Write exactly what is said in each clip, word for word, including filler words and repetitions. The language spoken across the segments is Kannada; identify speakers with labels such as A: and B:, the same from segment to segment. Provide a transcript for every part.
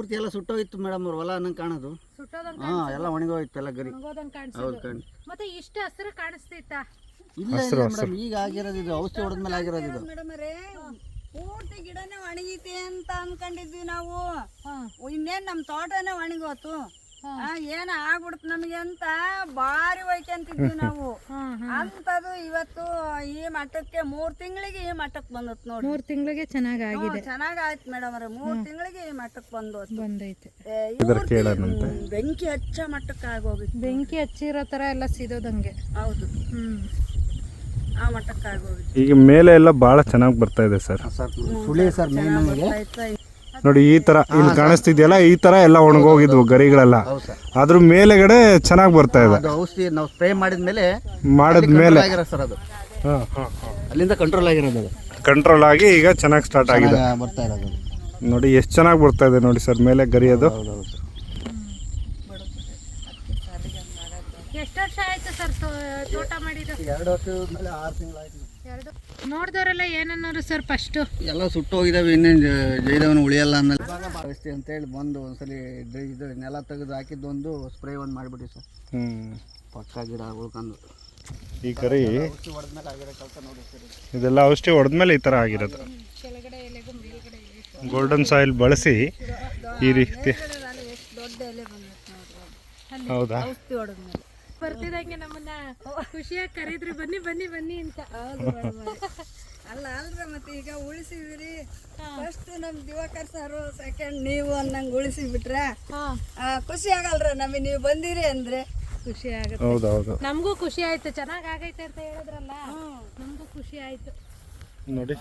A: ಪೂರ್ತಿ ಎಲ್ಲ ಸುಟ್ಟೋಗಿತ್ತು ಮೇಡಮ್ ಅವ್ರ ಹೊಲ ಅನ್ನಂಗೆ ಕಾಣೋದು. ಹಾ ಎಲ್ಲ ಒಣಗೋಯ್ತು ಎಲ್ಲ ಗರಿ. ಹೌದು ಕಣ್.
B: ಮತ್ತೆ ಇಷ್ಟು ಹಸಿರು ಕಾಣಿಸ್ತಿತ್ತಾ?
A: ಇಲ್ಲ ಇಲ್ಲ ಮೇಡಮ್, ಈಗ ಆಗಿರೋದು ಇದು, ಔಷಧಿ ಹೊಡೆದ್ಮೇಲೆ ಆಗಿರೋದು ಇದು.
C: ಮೇಡಮ್ ಅವರೇ ಪೂರ್ತಿ ಗಿಡನೇ ಒಣಗೈತಿ ಅಂತ ಅನ್ಕೊಂಡಿದ್ವಿ ನಾವು. ಇನ್ನೇನ್ ನಮ್ ತೋಟನೇ ಒಣಗೋತು, ಏನ ಆಗ್ಬಿಡ್ತು ನಮಗೆ ಅಂತ ಬಾರಿ ಒಯ್ಕೊಂತಿದ್ವಿ ನಾವು. ಅಂತದು ಇವತ್ತು ಈ ಮಟ್ಟಕ್ಕೆ ಮೂರ್ ತಿಂಗಳಿಗೆ ಈ ಮಟ್ಟಕ್ಕೆ ಬಂದತ್ ನೋಡಿ.
B: ಮೂರ್ ತಿಂಗಳಿಗೆ ಚೆನ್ನಾಗ್ ಆಗಿದೆ.
C: ಚೆನ್ನಾಗ್ ಆಯ್ತು ಮೇಡಮ್ ಅವ್ರೆ, ಮೂರ್ ತಿಂಗಳಿಗೆ ಈ ಮಟ್ಟಕ್ಕೆ ಬಂದು
B: ಬಂದೈತೆ.
C: ಬೆಂಕಿ ಹಚ್ಚ ಮಟ್ಟಕ್ಕೆ ಆಗೋಗಿತ್ತು.
B: ಬೆಂಕಿ ಹಚ್ಚಿರೋ ತರ ಎಲ್ಲ ಸಿದೋದಂಗೆ.
C: ಹೌದು, ಹ್ಮ್ ಆ ಮಟ್ಟಕ್ಕೆ ಆಗೋಗಿತ್ತು.
D: ಈಗ ಮೇಲೆ ಎಲ್ಲ ಬಹಳ ಚೆನ್ನಾಗಿ ಬರ್ತಾ ಇದೆ ಸರ್.
A: ಸುಳಿ ಸರ್ ಮೇನ್ ನಮಗೆ
D: ನೋಡಿ ಈ ತರ ಇಲ್ಲಿ ಕಾಣಿಸ್ತಿದ್ಯಲ್ಲ, ಈ ತರ ಎಲ್ಲ ಒಣಗೋಗಿದ್ವು ಗರಿಗಳೆಲ್ಲ. ಅದ್ರ ಮೇಲೆಗಡೆ ಚೆನ್ನಾಗಿ ಬರ್ತಾ ಇದೆ.
A: ಅದು ಔಷಧಿ ನಾವು ಸ್ಪ್ರೇ ಮಾಡಿದ್ಮೇಲೆ
D: ಮಾಡಿದ್ಮೇಲೆ
A: ಆಗಿರೋದು ಸರ್ ಅದು. ಅಲ್ಲಿಂದ ಕಂಟ್ರೋಲ್ ಆಗಿರೋದು ಅದು.
D: ಕಂಟ್ರೋಲ್ ಆಗಿ ಈಗ ಚೆನ್ನಾಗಿ ಸ್ಟಾರ್ಟ್ ಆಗಿದೆ.
A: ಬರ್ತಾ ಇರೋದು
D: ನೋಡಿ ಎಷ್ಟು ಚೆನ್ನಾಗಿ ಬರ್ತಾ ಇದೆ ನೋಡಿ ಸರ್ ಮೇಲೆ ಗರಿ ಅದು.
B: ಎಷ್ಟು ವರ್ಷ ಆಯ್ತು ಸರ್ ತೋಟ ಮಾಡಿದ್ದು?
A: ಎರಡು ವರ್ಷದ ಮೇಲೆ ಆರು ತಿಂಗಳಾಯ್ತು.
B: ನೋಡಿದವರೆಲ್ಲ ಏನನ್ನೋರು ಸರ್ ಫಸ್ಟ್?
A: ಎಲ್ಲ ಸುಟ್ಟು ಹೋಗಿದಾವೆ, ಇನ್ನೇನು ಜೈದವನು ಉಳಿಯಲ್ಲ ಅನ್ನಲ್ಲ ಔಷಧಿ ಅಂತೇಳಿ ಬಂದು ಒಂದ್ಸಲಿ ಇದು ನೆಲ ತೆಗೆದು ಹಾಕಿದ್ದೊಂದು ಸ್ಪ್ರೇ ಒಂದು ಮಾಡಿಬಿಡಿ ಸರ್.
D: ಹ್ಮ್
A: ಪಕ್ಕ ಗಿಡ ಉಳ್ಕೊಂಡು
D: ಈ ಗರಿ
A: ಹೊಡೆದ್ಮೇಲೆ ಆಗಿರೋ ಕೆಲಸ ನೋಡಿ ಸರ್.
D: ಇದೆಲ್ಲ ಔಷಧಿ ಹೊಡೆದ್ಮೇಲೆ ಈ ತರ ಆಗಿರೋದು. ಗೋಲ್ಡನ್ ಸಾಯಿಲ್ ಬಳಸಿ ಈ ರೀತಿ.
C: ದೊಡ್ಡ ಎಲೆ ಬಂದಿತ್ತು ನೋಡ್ರಿ,
D: ಹೌದಾ?
C: ಔಷಧಿ ಹೊಡೆದ್ಮೇಲೆ
B: ಬರ್ತಿದಂಗೆ ನಮ್ಮನ್ನ ಖುಷಿಯಾಗಿ ಕರೀದ್ರಿ, ಬನ್ನಿ ಬನ್ನಿ ಬನ್ನಿ ಅಂತ.
C: ಅಲ್ಲ ಅಲ್ರ ಮತ್ತೆ ಈಗ ಉಳಿಸಿದ್ರಿ. ಫಸ್ಟ್ ನಮ್ ದಿವಾಕರ್ ಸಾರು, ಸೆಕೆಂಡ್ ನೀವು ಅನ್ನಂಗ್ ಉಳಿಸಿ ಬಿಟ್ರೆ ಖುಷಿ ಆಗಲ್ರ ನಮಗೆ. ನೀವು ಬಂದಿರಿ ಅಂದ್ರೆ
B: ಖುಷಿ ಆಗುತ್ತೆ.
D: ಹೌದೌದು,
B: ನಮಗೂ ಖುಷಿ ಆಯ್ತು. ಚೆನ್ನಾಗ್ ಆಗೈತೆ ಅಂತ ಹೇಳಿದ್ರಲ್ಲ, ನಮಗೂ ಖುಷಿ ಆಯ್ತು.
D: ನೋಡಿ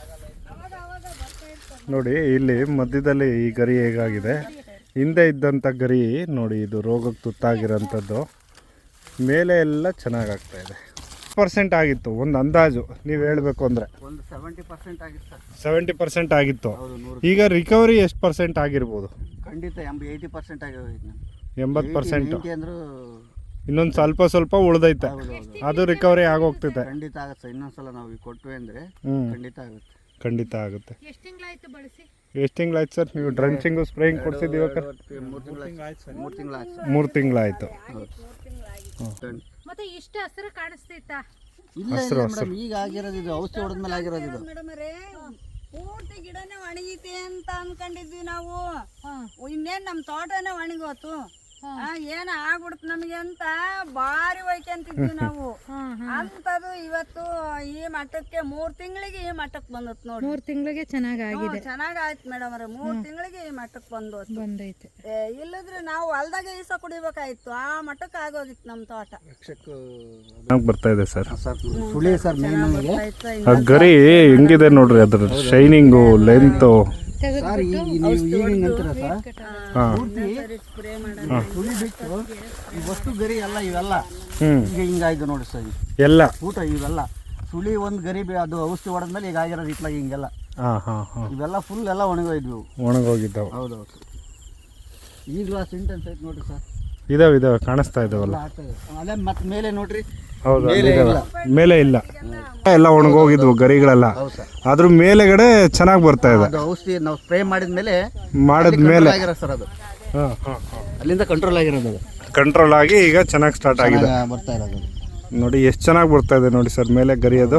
D: ನೋಡಿ ಇಲ್ಲಿ ಮಧ್ಯದಲ್ಲಿ ಈ ಗರಿ ಹೇಗಾಗಿದೆ. ಹಿಂದೆ ಇದ್ದಂಥ ಗರಿ ನೋಡಿ, ಇದು ರೋಗಕ್ಕೆ ತುತ್ತಾಗಿರೋಂಥದ್ದು. ಮೇಲೆ ಎಲ್ಲ ಚೆನ್ನಾಗಾಗ್ತಾ ಇದೆ. ಪರ್ಸೆಂಟ್ ಆಗಿತ್ತು ಒಂದು ಅಂದಾಜು ನೀವು ಹೇಳಬೇಕು ಅಂದರೆ.
A: ಒಂದು ಸೆವೆಂಟಿ ಪರ್ಸೆಂಟ್ ಆಗಿತ್ತು ಸರ್.
D: ಸೆವೆಂಟಿ ಪರ್ಸೆಂಟ್ ಆಗಿತ್ತು. ಈಗ ರಿಕವರಿ ಎಷ್ಟು ಪರ್ಸೆಂಟ್ ಆಗಿರ್ಬೋದು?
A: ಖಂಡಿತ ಎಂಬ ಏಯ್ಟಿ ಪರ್ಸೆಂಟ್ ಆಗೋಯ್ತು.
D: ಎಂಬತ್ತು ಪರ್ಸೆಂಟು
A: ಅಂದ್ರೂ
D: ಇನ್ನೊಂದು ಸ್ವಲ್ಪ ಸ್ವಲ್ಪ ಉಳ್ದೈತೆ, ಅದು ರಿಕವರಿ ಆಗೋಗ್ತೈತೆ.
A: ಖಂಡಿತ ಆಗುತ್ತೆ ಸರ್. ಇನ್ನೊಂದ್ಸಲ ನಾವು ಈಗ ಕೊಟ್ವಿ ಅಂದರೆ ಖಂಡಿತ ಆಗುತ್ತೆ.
D: ಖಂಡಿತ ಆಗುತ್ತೆ.
B: ಎಷ್ಟು ತಿಂಗಳಾಯ್ತು ಬಳಸಿ?
D: ಎಷ್ಟು ತಿಂಗಳಾಯ್ತು ಸರ್ ನೀವು ಡ್ರಂಚಿಂಗು ಸ್ಪ್ರೇಯಿಂಗ್ ಕೊಡ್ಸಿದ್ದೀವಿ?
A: ಮೂರು ತಿಂಗಳಾಯ್ತು ಮೂರು ತಿಂಗಳಾಯ್ತು
D: ಮೂರು ತಿಂಗಳಾಯ್ತು.
B: ಮತ್ತೆ ಇಷ್ಟು ಹಸಿರು ಕಾಣಿಸ್ತಿತ್ತಾ?
A: ಇಲ್ಲ ಇಲ್ಲ ಮೇಡಮ್, ಈಗ ಆಗಿರೋದು ಇದು, ಔಷಧಿ ಹೊಡೆದ್ಮೇಲೆ ಆಗಿರೋದು ಇದು.
C: ಮೇಡಮ್ ಅವರೇ ಪೂರ್ತಿ ಗಿಡನೇ ಒಣಗೈತಿ ಅಂತ ಅನ್ಕೊಂಡಿದ್ವಿ ನಾವು. ಇನ್ನೇನ್ ನಮ್ ತೋಟನೇ ಒಣಗೋತು, ಏನ ಆಗ್ಬಿಡ್ತು ನಮಗೆ ಅಂತ ಬಾರಿ ಒಯ್ಕೊಂತಿದ್ವಿ ನಾವು. ಅಂತದು ಇವತ್ತು ಈ ಮಟ್ಟಕ್ಕೆ ಮೂರ್ ತಿಂಗಳಿಗೆ ಈ ಮಟ್ಟಕ್ಕೆ ಬಂದತ್ ನೋಡಿ.
B: ಮೂರ್ ತಿಂಗಳಿಗೆ ಚೆನ್ನಾಗ್ ಆಗಿದೆ.
C: ಚೆನ್ನಾಗ್ ಆಯ್ತು ಮೇಡಮ್ ಅವ್ರೆ, ಮೂರ್ ತಿಂಗಳಿಗೆ ಈ ಮಟ್ಟಕ್ಕೆ ಬಂದು
B: ಬಂದೈತೆ.
C: ಇಲ್ಲದ್ರೆ ನಾವು ಹೊಲ್ದಾಗ ಈಸ ಕುಡಿಬೇಕಾಯ್ತು, ಆ ಮಟ್ಟಕ್ಕೆ ಆಗೋಗಿತ್ತು ನಮ್ ತೋಟ.
D: ಬರ್ತಾ ಇದೆ ಸರ್.
A: ಸುಳಿ ಸರ್ ಮೇನ್ ನಮಗೆ.
D: ಆ ಗರಿ ಹೆಂಗಿದೆ ನೋಡ್ರಿ, ಅದ್ರ ಶೈನಿಂಗು, ಲೆಂತು.
A: ಸರ್ ಈಗ ನೀವು ಈಗಿಂಗ್ ಅಂತೀರ ಸರ್,
C: ಸ್ಪ್ರೇ
A: ಸುಳಿ ಬಿಟ್ಟು ಈ ವಸ್ತು ಗರಿ ಎಲ್ಲ ಇವೆಲ್ಲ ಈಗ ಹಿಂಗಾಯ್ತು ನೋಡಿ ಸರ್.
D: ಎಲ್ಲ
A: ಊಟ ಇವೆಲ್ಲ ಸುಳಿ ಒಂದು ಗರಿ ಅದು ಔಷಧಿ ಹೊಡೆದ್ಮೇಲೆ ಈಗ ಆಗಿರೋದು ಇಟ್ಲಾಗ ಹಿಂಗೆಲ್ಲ ಇವೆಲ್ಲ ಫುಲ್ ಎಲ್ಲ ಒಣಗೋಯ್ದ್ವು,
D: ಒಣಗೋಗಿದ್ದಾವೆ.
A: ಹೌದೌದು. ಈಗಲೂ ಆ ಸಿಂಟೆನ್ಸ್ ಐತೆ ನೋಡ್ರಿ ಸರ್.
D: ಇದಾವೆ ಇದಾವೆ ಕಾಣಿಸ್ತಾ ಇದಾವಲ್ಲ.
A: ಅದೇ ಮತ್ತೆ ಮೇಲೆ ನೋಡ್ರಿ,
D: ಹೌದು ಮೇಲೆ ಇಲ್ಲ, ಎಲ್ಲ ಒಣಗೋಗಿದ್ವು ಗರಿಗಳೆಲ್ಲ. ಅದ್ರ ಮೇಲೆಗಡೆ ಚೆನ್ನಾಗಿ ಬರ್ತಾ ಇದೆ.
A: ಅದು ಔಷಧಿ ನಾವು ಸ್ಪ್ರೇ ಮಾಡಿದ್ಮೇಲೆ
D: ಮಾಡಿದ್ಮೇಲೆ
A: ಆಗಿರೋದು ಸರ್ ಅದು. ಅಲ್ಲಿಂದ ಕಂಟ್ರೋಲ್ ಆಗಿರೋದು ಅದು.
D: ಕಂಟ್ರೋಲ್ ಆಗಿ ಈಗ ಚೆನ್ನಾಗಿ ಸ್ಟಾರ್ಟ್ ಆಗಿದೆ.
A: ಬರ್ತಾ ಇರೋದು
D: ನೋಡಿ ಎಷ್ಟು ಚೆನ್ನಾಗಿ ಬರ್ತಾ ಇದೆ ನೋಡಿ ಸರ್ ಮೇಲೆ ಗರಿ ಅದು.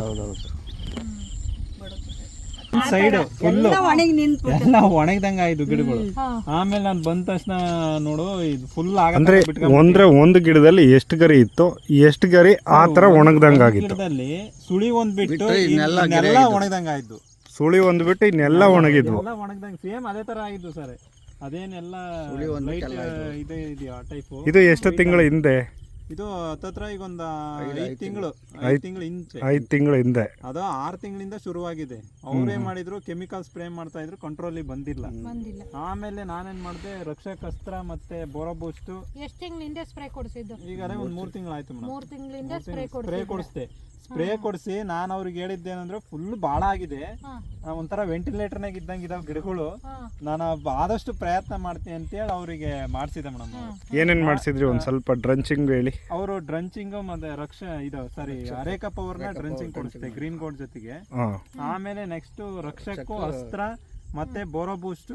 E: ಸೈಡ್ ಫುಲ್
C: ಒಣಗಿ ನಿಂತು
E: ಎಲ್ಲ ಒಣಗ್ದಂಗ ಆಯ್ತು ಗಿಡಗಳು. ಆಮೇಲೆ ನಾನು ಬಂದ ತಕ್ಷಣ ನೋಡು ಇದು ಫುಲ್
D: ಅಂದ್ರೆ ಒಂದ್ರೆ ಒಂದು ಗಿಡದಲ್ಲಿ ಎಷ್ಟು ಗರಿ ಇತ್ತು, ಎಷ್ಟು ಗರಿ ಆ ತರ ಒಣಗ್ದಂಗ ಆಗಿತ್ತು.
E: ಗಿಡದಲ್ಲಿ ಸುಳಿ ಒಂದ್ ಬಿಟ್ಟು ಇನ್ನೆಲ್ಲ ಒಣಗ್ದಂಗ ಆಯ್ತು.
D: ಸುಳಿ ಒಂದ್ ಬಿಟ್ಟು ಇನ್ನೆಲ್ಲ ಒಣಗಿದ್ವು.
E: ಎಲ್ಲ ಒಣಗ್ದಂಗ ಸೇಮ್ ಅದೇ ತರ ಆಗಿದ್ದು ಸರ್. ಅದೇನೆಲ್ಲ ಇದೆ ಇದೆಯಾ ಟೈಪು.
D: ಇದು ಎಷ್ಟು ತಿಂಗಳ ಹಿಂದೆ?
E: ಇದು ಹತ್ತತ್ರ ಈಗ ಒಂದು ಐದು ತಿಂಗಳು ಐದು ತಿಂಗಳು ಇಂಚೆ
D: ಐದು ತಿಂಗಳ ಹಿಂದೆ.
E: ಅದು ಆರು ತಿಂಗಳಿಂದ ಶುರುವಾಗಿದೆ. ಅವ್ರೇನ್ ಮಾಡಿದ್ರು ಕೆಮಿಕಲ್ ಸ್ಪ್ರೇ ಮಾಡ್ತಾ ಇದ್ರು, ಕಂಟ್ರೋಲ್ ಬಂದಿಲ್ಲ. ಆಮೇಲೆ ನಾನೇನ್ ಮಾಡಿದೆ, ರಕ್ಷಕ್ ಅಸ್ತ್ರ ಮತ್ತೆ ಬೋರೋಬೂಸ್ಟ್.
B: ಎಷ್ಟು ತಿಂಗಳಿಂದ ಸ್ಪ್ರೇ ಕೊಡಿಸಿದ್ದು?
E: ಈಗ ಅದೇ ಒಂದ್ ಮೂರ್ ತಿಂಗಳಾಯ್ತು ಮೇಡಮ್.
B: ಮೂರ್ ತಿಂಗಳಿಂದ ಸ್ಪ್ರೇ
E: ಸ್ಪ್ರೇ ಕೊಡಿಸ್ದೆ. ಸ್ಪ್ರೇ ಕೊಡಿಸಿ ನಾನು ಅವ್ರಿಗೆ ಹೇಳಿದ್ದೇನಂದ್ರೆ ಫುಲ್ ಬಾಳ ಆಗಿದೆ, ಒಂಥರ ವೆಂಟಿಲೇಟರ್ನಾಗ ಇದ್ದಂಗೆ ಇದಾವ ಗಿಡಗಳು, ನಾನು ಆದಷ್ಟು ಪ್ರಯತ್ನ ಮಾಡ್ತೀನಿ ಅಂತೇಳಿ ಅವರಿಗೆ ಮಾಡಿಸಿದೆ ಮೇಡಮ್.
D: ಏನೇನ್ ಮಾಡಿಸಿದ್ರಿ ಒಂದ್ ಸ್ವಲ್ಪ ಡ್ರಂಚಿಂಗ್ ಹೇಳಿ.
E: ಅವರು ಡ್ರಂಚಿಂಗ್ ಮತ್ತೆ ರಕ್ಷ ಇದು ಸಾರಿ ಅರೇಕ ಪವರ್ ನ ಡ್ರಂಚಿಂಗ್ ಕೊಡಿಸ್ತೆ ಗ್ರೀನ್ ಗೋಲ್ಡ್ ಜೊತೆಗೆ. ಆಮೇಲೆ ನೆಕ್ಸ್ಟ್ ರಕ್ಷಕ್ಕೂ ಅಸ್ತ್ರ ಮತ್ತೆ ಬೋರೋ ಬೂಸ್ಟ್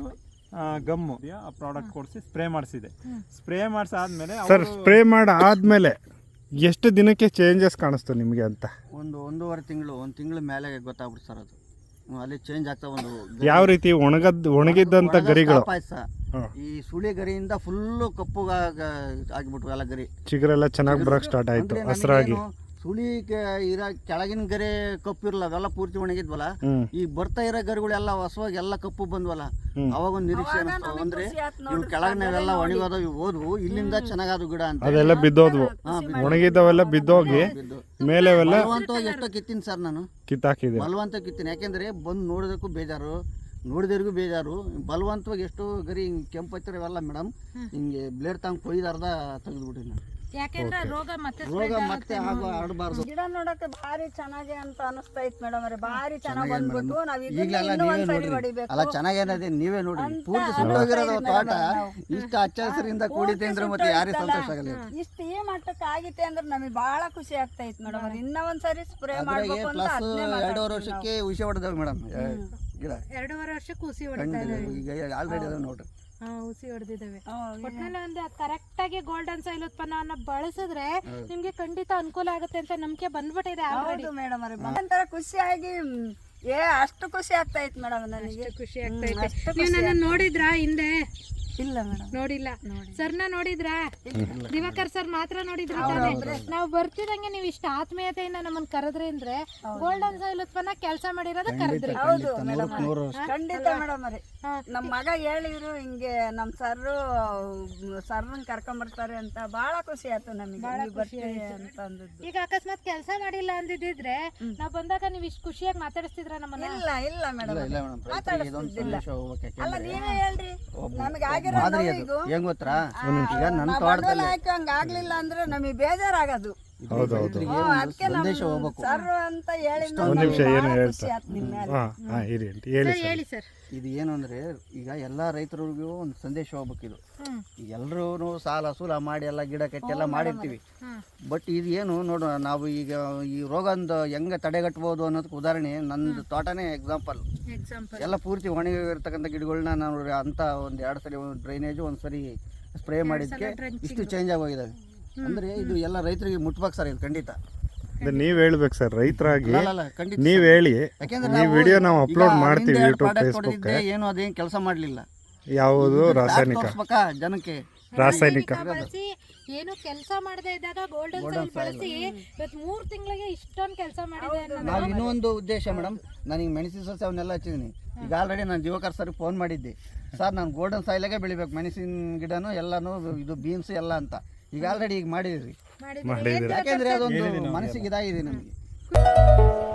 E: ಗಮ್ಮು ಆ ಪ್ರಾಡಕ್ಟ್ ಕೊಡಿಸಿ ಸ್ಪ್ರೇ ಮಾಡಿಸಿದೆ. ಸ್ಪ್ರೇ ಮಾಡಿಸಾದ್ಮೇಲೆ
D: ಸರ್ ಸ್ಪ್ರೇ ಮಾಡಿ ಆದಮೇಲೆ ಎಷ್ಟು ದಿನಕ್ಕೆ ಚೇಂಜಸ್ ಕಾಣಿಸ್ತು ನಿಮಗೆ ಅಂತ?
A: ಒಂದು ಒಂದೂವರೆ ತಿಂಗಳು ಒಂದು ತಿಂಗಳ ಮೇಲೆ ಗೊತ್ತಾಗ್ಬಿಡ್ತು ಸರ್ ಅದು. ಹ್ಮ್, ಅಲ್ಲಿ ಚೇಂಜ್ ಆಗ್ತಾ ಒಂದು
D: ಯಾವ ರೀತಿ ಒಣಗದ್ ಒಣಗಿದ್ದಂಥ ಗರಿಗಳು
A: ಪಾಯಸ ಈ ಸುಳಿ ಗರಿಯಿಂದ ಫುಲ್ಲು ಕಪ್ಪು ಆಗಿಬಿಟ್ವು ಎಲ್ಲ ಗರಿ,
D: ಚಿಗುರೆಲ್ಲ ಚೆನ್ನಾಗಿ ಬರೋಕ್ಕೆ ಸ್ಟಾರ್ಟ್ ಆಯಿತು
A: ಅಂದ್ರೆ
D: ಹಸ್ರಾಗಿ.
A: ನಮಗೇನು ಸುಳಿ ಇರೋ ಕೆಳಗಿನ ಗರಿ ಕಪ್ಪು ಇರಲ್ಲ, ಅವೆಲ್ಲ ಪೂರ್ತಿ ಒಣಗಿದ್ವಲ್ಲ.
D: ಹ್ಮ್.
A: ಈ ಬರ್ತಾ ಇರೋ ಗರಿಗಳೆಲ್ಲ ಹೊಸವಾಗಿ ಎಲ್ಲ ಕಪ್ಪು ಬಂದ್ವಲ್ಲ, ಅವಾಗ ಒಂದು ನಿರೀಕ್ಷೆ ಅನಿಸ್ತಾವ. ಅಂದ್ರೆ ಇವ್ ಕೆಳಗಿನವೆಲ್ಲ ಒಣಗೋದು ಇವು ಹೋದ್ವು, ಇಲ್ಲಿಂದ ಚೆನ್ನಾಗಾದ ಗಿಡ ಅಂತ
D: ಅದೆಲ್ಲ ಬಿದ್ದೋದ್ವು, ಒಣಗಿದ್ದವೆಲ್ಲ ಬಿದ್ದೋಗಿ ಮೇಲೆವೆಲ್ಲ
A: ಬಲವಂತವಾಗಿ ಎಷ್ಟೋ ಕಿತ್ತೀನಿ ಸರ್ ನಾನು,
D: ಕಿತ್ತಾಕಿದೆ.
A: ಬಲವಂತ ಕಿತ್ತೀನಿ. ಯಾಕೆಂದ್ರೆ ಬಂದು ನೋಡೋದಕ್ಕೂ ಬೇಜಾರು, ನೋಡಿದವ್ರಿಗೂ ಬೇಜಾರು. ಬಲವಂತವಾಗಿ ಎಷ್ಟು ಗರಿ ಹಿಂಗೆ ಕೆಂಪು ಹತ್ತಿರವೆಲ್ಲ ಮೇಡಮ್ ಹಿಂಗೆ ಬ್ಲೇಡ್ ತಗೊಂಡು ಕೊಯ್ದು ಅರ್ಧ ತೆಗೆದ್ಬಿಟ್ಟಿನಿ ನಾನು.
B: ಯಾಕೆಂದ್ರೆ ರೋಗ ಮತ್ತೆ
A: ರೋಗ ಮತ್ತೆ ಆಗೋ ಆಡಬಾರ್ದು.
C: ಗಿಡ ನೋಡಕ್ಕೆ ಭಾರಿ ಚೆನ್ನಾಗಿ ಅಂತ ಅನಿಸ್ತಾ ಇತ್ತು ಮೇಡಮ್ ಅವ್ರೆ, ಭಾರಿ ಚೆನ್ನಾಗಿ ಬಂದ್ಬಿಟ್ಟು ನಾವ್
A: ಈಗಲೆಲ್ಲ
C: ಇನ್ನೂ
A: ನೀವೇ
C: ಒಂದ್ಸರಿ
A: ನೋಡ್ರಿ,
C: ಹೊಡಿಬೇಕು.
A: ಅಲ್ಲ ಚೆನ್ನಾಗೇನದೆ ನೀವೇ ನೋಡ್ರಿ, ಪೂರ್ತಿ ಸುಟ್ಟೋಗಿರೋದು ತೋಟ ಇಷ್ಟ ಹಚ್ಚ ಹಸಿರಿಂದ ಕೂಡಿತೆ ಅಂದ್ರೆ ಮತ್ತೆ ಯಾರೇ ಸಂತೋಷ ಆಗಲ್ಲ.
C: ಇಷ್ಟು ಈ ಮಟ್ಟಕ್ಕೆ ಆಗಿತ್ತೆ ಅಂದ್ರೆ ನಮಗೆ ಬಹಳ ಖುಷಿ ಆಗ್ತಾ ಇತ್ತು ಮೇಡಮ್ ಅವ್ರೆ. ಇನ್ನ ಒಂದ್ಸರಿ ಸ್ಪ್ರೇ
A: ಅದ್ರಾಗೆ
C: ಮಾಡ್ಬೇಕು ಅಂತ
A: ಪ್ಲಸ್
C: ಅದ್ನೇ
A: ಎರಡೂವರೆ
C: ಮಾತಾಡ್ತೀವಿ
A: ವರ್ಷಕ್ಕೆ ಹುಷಿ ಹೊಡೆದವ್ ಮೇಡಮ್ ಗಿಡ
B: ಎರಡೂವರೆ ವರ್ಷಕ್ಕೆ ಹುಸಿ ಹೊಡಿತಾ
A: ಕಂಡು
B: ಇದಾವೆ.
A: ಈಗ ಆಲ್ರೆಡಿ ಅದಾವ ನೋಡ್ರಿ.
B: ಹಾ ಹುಸಿ ಹೊಡೆದಿದ್ದಾವೆ.
C: ನಾವು.
B: ಒಟ್ನಲ್ಲಿ ಒಂದು ಕರೆಕ್ಟ್ ಆಗಿ ಗೋಲ್ಡನ್ ಸಾಯಿಲ್ ಉತ್ಪನ್ನವನ್ನ ಬಳಸಿದ್ರೆ ನಿಮ್ಗೆ ಖಂಡಿತ ಅನುಕೂಲ ಆಗುತ್ತೆ ಅಂತ ನಂಬಿಕೆ ಬಂದ್ಬಿಟ್ಟಿದೆ ಆಲ್ರೆಡಿ.
C: ಹೌದು ಮೇಡಮ್ ಅವ್ರೆ, ಒಂಥರ ಖುಷಿಯಾಗಿ ಮ್, ಏ ಅಷ್ಟು ಖುಷಿ ಆಗ್ತಾ ಇತ್ತು ಮೇಡಮ್ ನನಗೆ.
B: ಖುಷಿ ಆಗ್ತಾ ಇದೆ. ನೀವು ನನ್ನ ನೋಡಿದ್ರಾ ಹಿಂದೆ?
C: ಇಲ್ಲ ಮೇಡಮ್,
B: ನೋಡಿಲ್ಲ. ಸರ್ನ ನೋಡಿದ್ರಾ? ದಿವಾಕರ್ ಸರ್ ಮಾತ್ರ ನೋಡಿದ್ರ ತಾನೆ? ನಾವು ಬರ್ತಿದಂಗೆ ನೀವು ಇಷ್ಟ ಆತ್ಮೀಯತೆಯಿಂದ ನಮ್ಮನ್ನ ಕರೆದ್ರಿ ಅಂದ್ರೆ ಗೋಲ್ಡನ್ ಸಾಯಿಲ್ ಉತ್ಪನ್ನ ಕೆಲಸ ಮಾಡಿರೋದ ಕರೆದ್ರಿ.
C: ಹೌದು
A: ನೂರಕ್ಕೆ ನೂರು
C: ಖಂಡಿತ ಮೇಡಮ್ ಅವ್ರೆ. ನಮ್ಮ ಮಗ ಹೇಳಿದ್ರು ಹಿಂಗೆ ನಮ್ ಸರ್ರು ಸರ್ನ ಕರ್ಕೊಂಬರ್ತಾರೆ ಅಂತ, ಬಹಳ ಖುಷಿ ಆಯ್ತು ನಮಗೆ ನೀವು ಬರ್ತೀರಿ ಅಂತ ಅಂದದ್ದು.
B: ಈಗ ಅಕಸ್ಮಾತ್ ಕೆಲಸ ಮಾಡಿಲ್ಲ ಅಂದಿದ್ರೆ ನಾವ್ ಬಂದಾಗ ನೀವ್ ಇಷ್ಟು ಖುಷಿಯಾಗಿ ಮಾತಾಡಿಸ್ತಿದ್ರ ನಮ್ಮನ್ನ?
C: ಇಲ್ಲ ಇಲ್ಲ ಮೇಡಮ್,
A: ಇಲ್ಲ ಮೇಡಮ್, ರೈತರಿಗೆ ಇದೊಂದು ಸಂದೇಶ ಹೋಗ್ಬೇಕು.
C: ಅಲ್ಲ
A: ಯಾಕೆಂದ್ರೆ
C: ನೀವೇ ಹೇಳ್ರಿ, ನಮಗೆ ಆಗಿರೋ
A: ಮಾದರಿ ಅದು
C: ನೋವಿಗೂ
A: ಹೆಂಗ್ ಗೊತ್ತಾ, ಈಗ ನನ್ನ
C: ನಾವು
A: ತೋಟದಲ್ಲಿ
C: ಬಂಡವಾಳ ಹಾಕಿ ಹಂಗ ಆಗ್ಲಿಲ್ಲ ಅಂದ್ರೆ ನಮಗೆ ಬೇಜಾರಾಗೋದು.
A: ರೈತರಿಗೆ
C: ಅದಕ್ಕೆ
A: ಸಂದೇಶ ಹೋಗ್ಬೇಕು.
C: ಸರ್ ಅಂತ ಹೇಳಿ
D: ಒಂದು ನಿಮಿಷ ಏನು
C: ಖುಷಿ
D: ಹೇಳ್ತಾರೆ?
C: ಆಯ್ತು ನಿಮ್ಮ ಮೇಲೆ.
D: ಹಾಂ ಹಾಂ ಇರಿ ಅಂತ ಹೇಳಿ ಸರ್.
B: ಹೇಳಿ ಸರ್.
A: ಇದು ಏನು ಅಂದ್ರೆ ಈಗ ಎಲ್ಲಾ ರೈತರಿಗೂ ಒಂದು ಸಂದೇಶ ಹೋಗ್ಬೇಕು. ಇದು ಎಲ್ಲರೂ ಸಾಲ ಸೂಲ ಮಾಡಿ ಎಲ್ಲ ಗಿಡ ಕಟ್ಟಿ ಎಲ್ಲ ಮಾಡಿರ್ತೀವಿ. ಬಟ್ ಇದು ಏನು ನೋಡು, ನಾವು ಈಗ ಈ ರೋಗಂದು ಹೆಂಗೆ ತಡೆಗಟ್ಬೋದು ಅನ್ನೋದಕ್ಕೆ ಉದಾಹರಣೆ ನಂದು ತೋಟನೇ ಎಕ್ಸಾಂಪಲ್. ಎಲ್ಲ ಪೂರ್ತಿ ಒಣಗಿರ್ತಕ್ಕಂಥ ಗಿಡಗಳನ್ನ ನಾವು ಅಂತ ಒಂದು ಎರಡು ಸರಿ ಒಂದು ಡ್ರೈನೇಜು ಒಂದು ಸರಿ ಸ್ಪ್ರೇ ಮಾಡಿದ್ದಕ್ಕೆ ಇಷ್ಟು ಚೇಂಜ್ ಆಗೋಗಿದ್ದಾವೆ. ಅಂದ್ರೆ ಇದು ಎಲ್ಲ ರೈತರಿಗೆ ಮುಟ್ಬೇಕು ಸರ್, ಇದು ಖಂಡಿತ.
D: ನೀವು ಹೇಳ್ಬೇಕು ಸರ್, ರೈತರಾಗಿ
A: ಅಲ್ಲ, ಖಂಡಿತ
D: ನೀವು ಹೇಳಿ.
A: ಯಾಕೆಂದ್ರೆ
D: ನೀವು ವಿಡಿಯೋ ನಾವು ಅಪ್ಲೋಡ್ ಮಾಡ್ತೀವಿ ಯೂಟ್ಯೂಬ್ ಫೇಸ್ಬುಕ್.
A: ಏನು ಅದೇನು ಕೆಲಸ ಮಾಡಲಿಲ್ಲ,
D: ಯಾವುದು ರಾಸಾಯನಿಕ
A: ಜನಕ್ಕೆ
D: ರಾಸಾಯನಿಕ
B: ಬಳಸಿ ಏನು ಕೆಲಸ ಮಾಡದೇ ಇದ್ದಾಗ ಗೋಲ್ಡನ್ ಸಾಯಿಲ್ ಬಳಸಿ ಇವತ್ತು ಮೂರ್ ತಿಂಗಳಿಗೆ ಇಷ್ಟೊಂದು ಕೆಲಸ ಮಾಡಿದೆ.
A: ನಾವು ಇನ್ನೊಂದು ಉದ್ದೇಶ ಮೇಡಮ್, ನನಗೆ ಮೆಣಸಿನ ಸಸ್ಯ ಅವನ್ನೆಲ್ಲ ಹಚ್ಚಿದ್ದೀನಿ. ಈಗ ಆಲ್ರೆಡಿ ನಾನು ದಿವಾಕರ್ ಸರ್ ಫೋನ್ ಮಾಡಿದ್ದೆ, ಸರ್ ನಾನು ಗೋಲ್ಡನ್ ಸಾಯಿಲಾಗೆ ಬೆಳಿಬೇಕು ಮೆಣಸಿನ ಗಿಡನೂ ಎಲ್ಲನೂ, ಇದು ಬೀನ್ಸ್ ಎಲ್ಲ ಅಂತ. ಈಗ ಆಲ್ರೆಡಿ ಈಗ ಮಾಡಿದ್ರಿ,
D: ಮಾಡಿದ್ದೀರಿ.
A: ಯಾಕೆಂದ್ರೆ ಅದೊಂದು ಮನಸ್ಸಿಗೆ ಇದಾಗಿದೆ ನಮಗೆ.